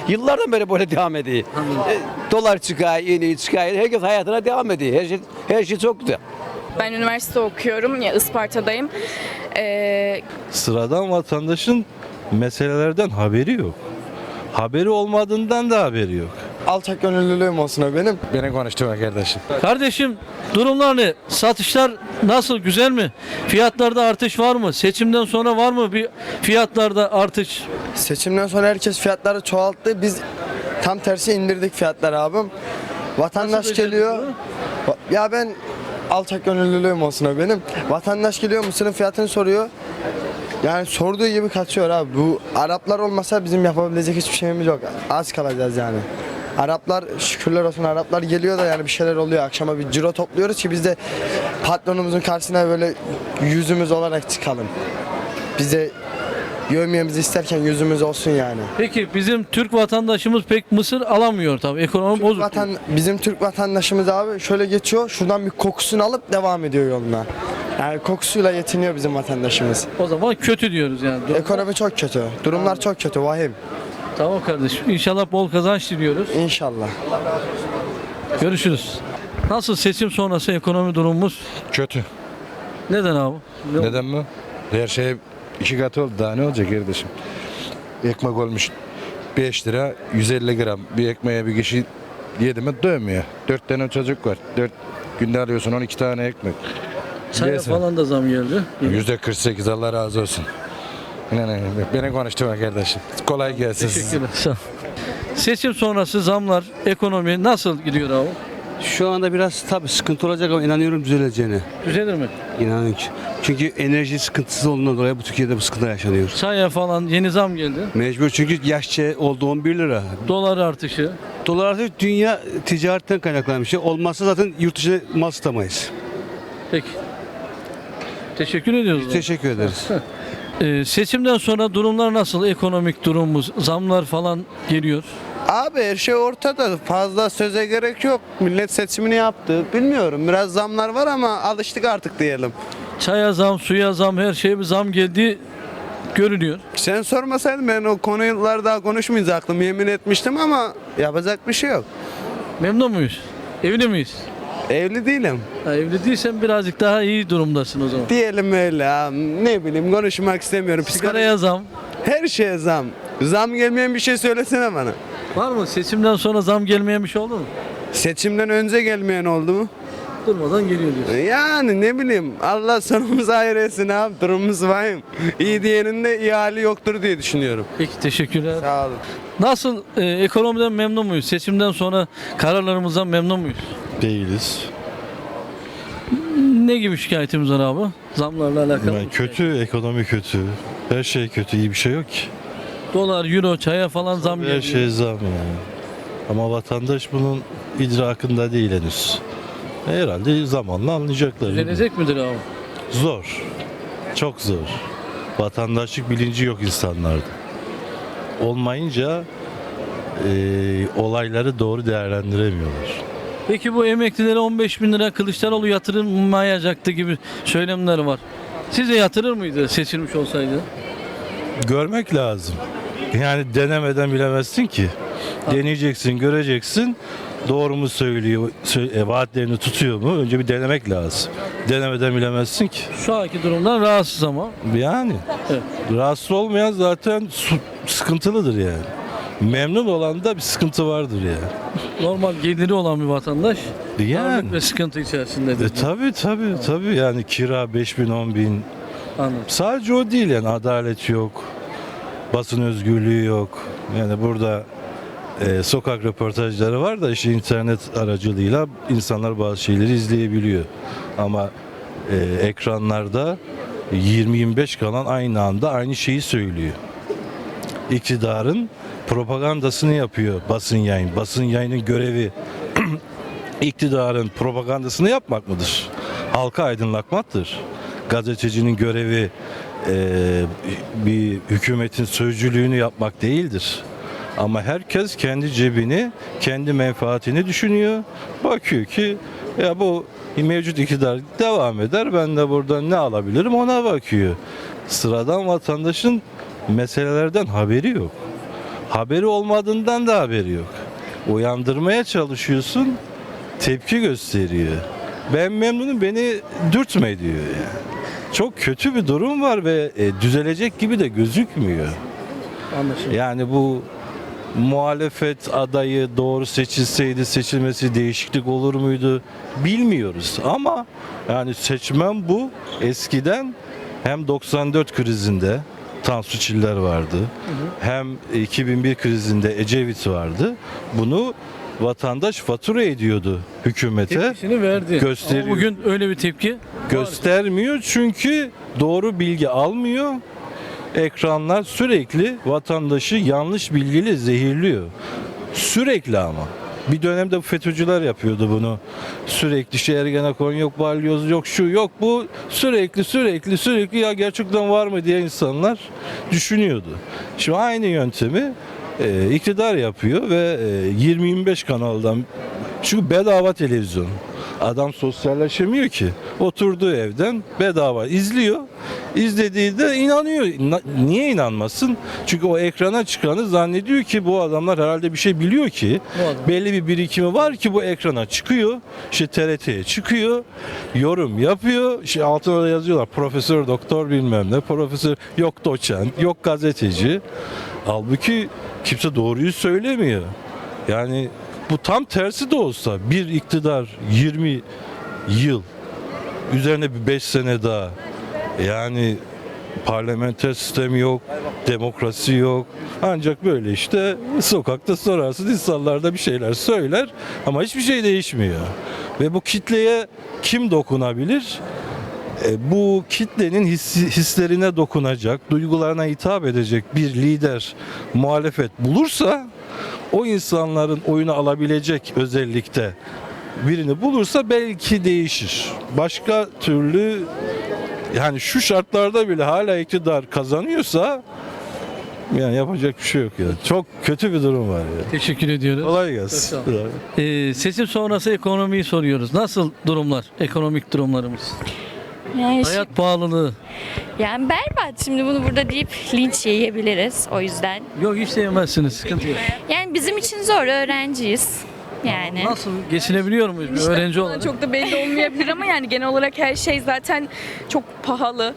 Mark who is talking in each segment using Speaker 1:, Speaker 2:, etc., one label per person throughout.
Speaker 1: Yıllardan beri böyle devam ediyor. Dolar çıkıyor, iniyor, çıkıyor. Herkes hayatına devam ediyor. Her şey çok güzel.
Speaker 2: Ben üniversite okuyorum, ya Isparta'dayım.
Speaker 3: Sıradan vatandaşın meselelerden haberi yok. Haberi olmadığından da haberi yok.
Speaker 4: Alçak gönüllülüğüm olsun o benim.
Speaker 5: Beni konuşturma kardeşim.
Speaker 6: Kardeşim durumlar ne? Satışlar nasıl? Güzel mi? Fiyatlarda artış var mı? Seçimden sonra var mı bir fiyatlarda artış?
Speaker 4: Seçimden sonra herkes fiyatları çoğalttı. Biz tam tersi indirdik fiyatları abim. Vatandaş
Speaker 6: Nasıl
Speaker 4: geliyor.
Speaker 6: becerdin
Speaker 4: Ya ben alçak gönüllülüğüm olsun o benim. Vatandaş geliyor mısırın fiyatını soruyor. Yani sorduğu gibi kaçıyor abi. Bu Araplar olmasa bizim yapabilecek hiçbir şeyimiz yok. Az kalacağız yani. Araplar şükürler olsun Araplar geliyor da yani bir şeyler oluyor. Akşama bir ciro topluyoruz ki biz de patronumuzun karşısına böyle yüzümüz olarak çıkalım. Bize yövmiyemizi isterken yüzümüz olsun yani.
Speaker 6: Peki bizim Türk vatandaşımız pek mısır alamıyor tabii. Ekonomi bozuk.
Speaker 4: Bizim Türk vatandaşımız abi şöyle geçiyor. Şuradan bir kokusunu alıp devam ediyor yoluna. Yani kokusuyla yetiniyor bizim vatandaşımız.
Speaker 6: O zaman kötü diyoruz yani.
Speaker 4: Ekonomi çok kötü. Durumlar çok kötü. Vahim.
Speaker 6: Tamam kardeşim. İnşallah bol kazanç diliyoruz.
Speaker 4: İnşallah.
Speaker 6: Görüşürüz. Nasıl seçim sonrası ekonomi durumumuz?
Speaker 5: Kötü.
Speaker 6: Neden abi?
Speaker 5: Neden mi? Her şey 2 katı oldu. Daha ne olacak kardeşim? Ekmek olmuş 5 lira 150 gram. Bir ekmeğe bir kişi yedi mi doymuyor. 4 tane çocuk var. 4 günde alıyorsun 12 tane ekmek.
Speaker 6: Çaya
Speaker 5: Neyse.
Speaker 6: falan da zam geldi.
Speaker 5: %48 Allah razı olsun. Beni konuşturma kardeşim. Kolay gelsin.
Speaker 6: Teşekkürler. Sağ ol. Seçim sonrası zamlar, ekonomi nasıl gidiyor abi?
Speaker 7: Şu anda biraz tabii sıkıntı olacak ama inanıyorum düzeleceğine.
Speaker 6: Düzelir mi?
Speaker 7: İnanıyorum ki. Çünkü enerji sıkıntısı olduğundan dolayı bu Türkiye'de bu sıkıntılar yaşanıyor.
Speaker 6: Çaya falan yeni zam geldi.
Speaker 7: Mecbur çünkü yaşça oldu 11 lira.
Speaker 6: Dolar artışı.
Speaker 7: Dolar artık dünya ticaretten kaynaklanan bir şey. Olmazsa zaten yurt dışına mal satamayız.
Speaker 6: Peki. Teşekkür ediyoruz.
Speaker 7: Teşekkür ederiz.
Speaker 6: Seçimden sonra durumlar nasıl? Ekonomik durumumuz, zamlar falan geliyor.
Speaker 8: Abi her şey ortada. Fazla söze gerek yok. Millet seçimini yaptı. Bilmiyorum. Biraz zamlar var ama alıştık artık diyelim.
Speaker 6: Çaya zam, suya zam, her şeye bir zam geldi görünüyor.
Speaker 8: Sen sormasaydın ben o konuları daha konuşmayacaktım. Yemin etmiştim ama yapacak bir şey yok.
Speaker 6: Memnun muyuz? Evli miyiz?
Speaker 8: Evli değilim.
Speaker 6: Ha, evli değilsen birazcık daha iyi durumdasın o zaman.
Speaker 8: Diyelim öyle. Ha. Ne bileyim konuşmak istemiyorum.
Speaker 6: Sigaraya zam.
Speaker 8: Her şeye zam. Zam gelmeyen bir şey söylesene bana.
Speaker 6: Var mı? Seçimden sonra zam gelmeyen bir şey oldu mu?
Speaker 8: Seçimden önce gelmeyen oldu mu?
Speaker 6: Durmadan geliyor diyorsun.
Speaker 8: Yani ne bileyim Allah sonumuzu hayır etsin abi durumumuz vahim. İyi diyenin de iyi hali yoktur diye düşünüyorum.
Speaker 6: Peki teşekkürler.
Speaker 8: Sağ olun.
Speaker 6: Nasıl ekonomiden memnun muyuz? Seçimden sonra kararlarımızdan memnun muyuz?
Speaker 3: Değiliz.
Speaker 6: Ne gibi şikayetimiz var abi? Zamlarla alakalı.
Speaker 3: Yani kötü, ekonomi kötü. Her şey kötü, iyi bir şey yok ki.
Speaker 6: Dolar, euro, çaya falan zam
Speaker 3: Her
Speaker 6: geliyor.
Speaker 3: şey zam yani. Ama vatandaş bunun idrakında değil henüz. Herhalde zamanla anlayacaklar.
Speaker 6: Düzelecek midir abi?
Speaker 3: Zor. Çok zor. Vatandaşlık bilinci yok insanlarda. Olmayınca olayları doğru değerlendiremiyorlar.
Speaker 6: Peki bu emeklilere 15 bin lira Kılıçdaroğlu yatırılmayacaktı gibi söylemler var. Size yatırır mıydı seçilmiş olsaydı?
Speaker 3: Görmek lazım. Yani denemeden bilemezsin ki. Deneyeceksin, göreceksin. Doğru mu söylüyor, vaatlerini tutuyor mu? Önce bir denemek lazım. Denemeden bilemezsin ki.
Speaker 6: Şu anki durumdan rahatsız ama.
Speaker 3: Yani
Speaker 6: Evet.
Speaker 3: rahatsız olmayan zaten sıkıntılıdır yani. Memnun olan da bir sıkıntı vardır yani.
Speaker 6: Normal geliri olan bir vatandaş
Speaker 3: Yani.
Speaker 6: darlık ve sıkıntı içerisindedir.
Speaker 3: Tabii yani kira 5 bin 10 bin.
Speaker 6: Anladım.
Speaker 3: Sadece o değil yani adalet yok. Basın özgürlüğü yok. Yani burada sokak röportajları var da işte internet aracılığıyla insanlar bazı şeyleri izleyebiliyor. Ama ekranlarda 20-25 kalan aynı anda aynı şeyi söylüyor. İktidarın propagandasını yapıyor basın yayın. Basın yayının görevi iktidarın propagandasını yapmak mıdır? Halka aydınlatmaktır. Gazetecinin görevi bir hükümetin sözcülüğünü yapmak değildir. Ama herkes kendi cebini, kendi menfaatini düşünüyor. Bakıyor ki ya bu mevcut iktidar devam eder. Ben de buradan ne alabilirim ona bakıyor. Sıradan vatandaşın meselelerden haberi yok. Haberi olmadığından da haberi yok. Uyandırmaya çalışıyorsun, tepki gösteriyor. Ben memnunum, beni dürtme diyor yani. Çok kötü bir durum var ve düzelecek gibi de gözükmüyor.
Speaker 6: Anlaşıldı.
Speaker 3: Yani bu muhalefet adayı doğru seçilseydi seçilmesi değişiklik olur muydu bilmiyoruz. Ama yani seçmen bu. Eskiden hem 94 krizinde Tansu Çiller vardı. Hem 2001 krizinde Ecevit vardı. Bunu vatandaş fatura ediyordu hükümete.
Speaker 6: Tepkisini verdi.
Speaker 3: Gösteriyor.
Speaker 6: Ama bugün öyle bir tepki
Speaker 3: Göstermiyor çünkü doğru bilgi almıyor. Ekranlar sürekli vatandaşı yanlış bilgiyle zehirliyor. Sürekli ama. Bir dönemde bu FETÖ'cüler yapıyordu bunu. Sürekli işte Ergenekon yok, balyoz yok, şu yok bu. Sürekli ya gerçekten var mı diye insanlar düşünüyordu. Şimdi aynı yöntemi iktidar yapıyor ve 20-25 kanaldan, çünkü bedava televizyon. Adam sosyalleşemiyor ki. Oturduğu evden bedava izliyor. İzlediği de inanıyor. Niye inanmasın? Çünkü o ekrana çıkanı zannediyor ki bu adamlar herhalde bir şey biliyor ki. Belli bir birikimi var ki bu ekrana çıkıyor. İşte TRT'ye çıkıyor. Yorum yapıyor. İşte altına da yazıyorlar. Profesör, doktor bilmem ne. Profesör yok, doçent, yok gazeteci. Halbuki kimse doğruyu söylemiyor. Yani bu tam tersi de olsa bir iktidar 20 yıl üzerine bir 5 sene daha, yani parlamenter sistem yok, demokrasi yok. Ancak böyle işte sokakta sorarsın, insanlar da bir şeyler söyler ama hiçbir şey değişmiyor. Ve bu kitleye kim dokunabilir? Bu kitlenin hislerine dokunacak, duygularına hitap edecek bir lider, muhalefet bulursa, o insanların oyunu alabilecek özellikte birini bulursa belki değişir. Başka türlü, yani şu şartlarda bile hala iktidar kazanıyorsa yani yapacak bir şey yok ya. Çok kötü bir durum var ya.
Speaker 6: Teşekkür ediyoruz.
Speaker 3: Kolay gelsin.
Speaker 6: Çok sağ seçim sonrası ekonomiyi soruyoruz. Nasıl durumlar, ekonomik durumlarımız?
Speaker 9: Yani,
Speaker 6: Hayat pahalılığı.
Speaker 9: yani berbat. Şimdi bunu burada deyip linç yiyebiliriz o yüzden.
Speaker 6: Yok hiç sevmezsiniz, sıkıntı yok.
Speaker 9: Yani bizim için zor, öğrenciyiz. Yani.
Speaker 6: Nasıl geçinebiliyor muyuz bir öğrenci olarak?
Speaker 2: Çok da belli olmayabilir ama yani genel olarak her şey zaten çok pahalı.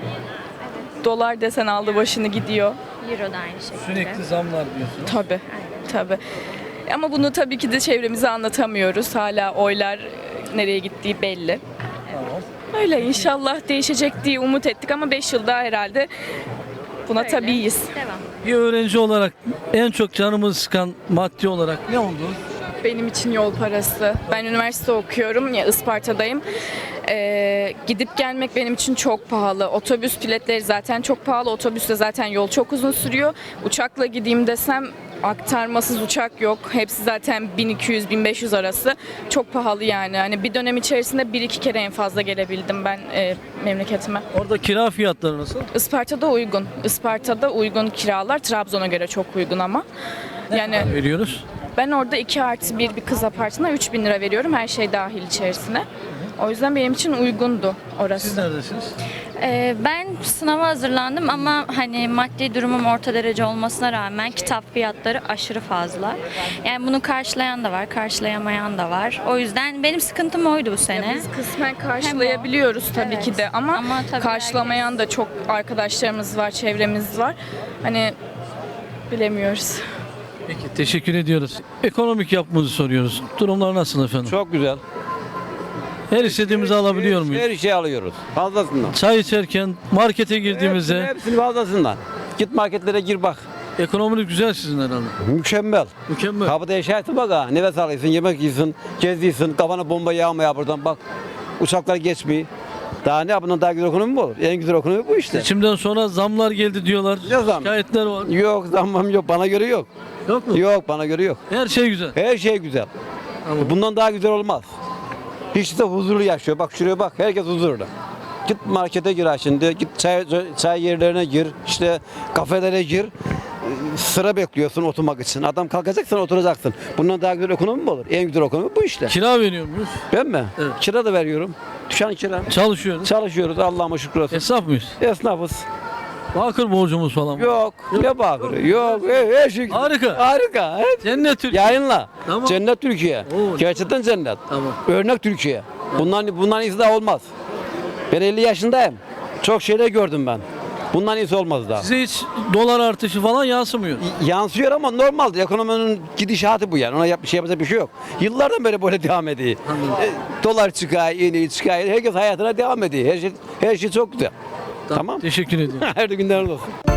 Speaker 2: Dolar desen aldı başını gidiyor.
Speaker 9: Euro da aynı şekilde.
Speaker 6: Sürekli zamlar diyorsun.
Speaker 2: Tabii. Tabii. Ama bunu tabii ki de çevremize anlatamıyoruz. Hala oylar nereye gittiği belli.
Speaker 6: Tamam.
Speaker 2: Öyle inşallah değişecek diye umut ettik ama 5 yılda herhalde buna
Speaker 9: Öyle.
Speaker 2: tabiiyiz.
Speaker 9: Devam.
Speaker 6: Bir öğrenci olarak en çok canımızı sıkan maddi olarak ne oldu?
Speaker 2: Benim için yol parası. Ben üniversite okuyorum ya, Isparta'dayım. Gidip gelmek benim için çok pahalı. Otobüs biletleri zaten çok pahalı. Otobüste zaten yol çok uzun sürüyor. Uçakla gideyim desem aktarmasız uçak yok. Hepsi zaten 1200-1500 arası. Çok pahalı yani. Hani bir dönem içerisinde 1-2 kere en fazla gelebildim ben memleketime.
Speaker 6: Orada kira fiyatları nasıl?
Speaker 2: Isparta'da uygun. Isparta'da uygun kiralar. Trabzon'a göre çok uygun ama. Yani
Speaker 6: Veriyoruz.
Speaker 2: ben orada 2+1 bir kız apartına 3.000 lira veriyorum, her şey dahil içerisine. O yüzden benim için uygundu orası.
Speaker 6: Siz neredesiniz?
Speaker 9: Ben sınava hazırlandım ama hani maddi durumum orta derece olmasına rağmen kitap fiyatları aşırı fazla. Yani bunu karşılayan da var, karşılayamayan da var. O yüzden benim sıkıntım oydu bu sene.
Speaker 2: Biz kısmen karşılayabiliyoruz tabii ki de ama
Speaker 9: tabii
Speaker 2: karşılamayan da çok arkadaşlarımız var, çevremiz var. Hani bilemiyoruz.
Speaker 6: Peki teşekkür ediyoruz. Ekonomik yapımızı soruyoruz. Durumlar nasıl efendim?
Speaker 1: Çok güzel.
Speaker 6: Her istediğimizi alabiliyor muyuz?
Speaker 1: Her şeyi alıyoruz. Fazlasından.
Speaker 6: Çay içerken, markete girdiğimizde
Speaker 1: Hepsini fazlasından. Git marketlere gir bak.
Speaker 6: ekonominiz güzel sizin herhalde.
Speaker 1: Mükemmel.
Speaker 6: Mükemmel.
Speaker 1: Kapıda yaşarsın bak ha. Nefes alıyorsun, yemek yiyorsun, geziyorsun. Kafana bomba yağmaya buradan bak. Uçaklar geçmiyor. Daha ne bundan daha güzel ekonomi mi olur? En güzel ekonomi bu işte.
Speaker 6: Seçimden sonra zamlar geldi diyorlar.
Speaker 1: Ne zam?
Speaker 6: Şikayetler var.
Speaker 1: Yok zammam yok. Bana göre yok.
Speaker 6: Yok mu?
Speaker 1: Yok bana göre yok.
Speaker 6: Her şey güzel.
Speaker 1: Her şey güzel.
Speaker 6: Tamam.
Speaker 1: Bundan daha güzel olmaz. Hiç de huzurlu yaşıyor. Bak şuraya bak. Herkes huzurlu. Git markete gir ha şimdi. Git çay yerlerine gir. İşte kafelere gir. Sıra bekliyorsun oturmak için. Adam kalkacak sen oturacaksın. Bundan daha güzel ekonomi mi olur? En güzel ekonomi bu işte.
Speaker 6: Kira veriyor muyuz?
Speaker 1: Ben mi?
Speaker 6: Evet.
Speaker 1: Kira da veriyorum. Düşen kira.
Speaker 6: Çalışıyoruz.
Speaker 1: Çalışıyoruz. Allah'ıma şükür olsun.
Speaker 6: Esnaf mıyız?
Speaker 1: Esnafız.
Speaker 6: Bakır borcumuz falan var.
Speaker 1: Yok. Ne bakırı? Yok. Her şey.
Speaker 6: Harika.
Speaker 1: Harika.
Speaker 6: Cennet Türkiye.
Speaker 1: Yayınla.
Speaker 6: Tamam.
Speaker 1: Cennet Türkiye.
Speaker 6: Oo,
Speaker 1: Gerçekten cennet.
Speaker 6: Tamam.
Speaker 1: Örnek Türkiye. Bundan iyisi daha olmaz. Ben 50 yaşındayım. Çok şeyler gördüm ben. Bundan iyisi olmaz daha.
Speaker 6: Size hiç dolar artışı falan yansımıyor.
Speaker 1: Yansıyor ama normaldir. Ekonominin gidişatı bu yani. Ona yapacak bir şey yok. Yıllardan beri böyle devam ediyor. Dolar çıkıyor, iniyor, çıkıyor. Herkes hayatına devam ediyor. Her şey çok güzel. Tamam.
Speaker 6: Teşekkür ediyorum.
Speaker 1: Her günler olsun.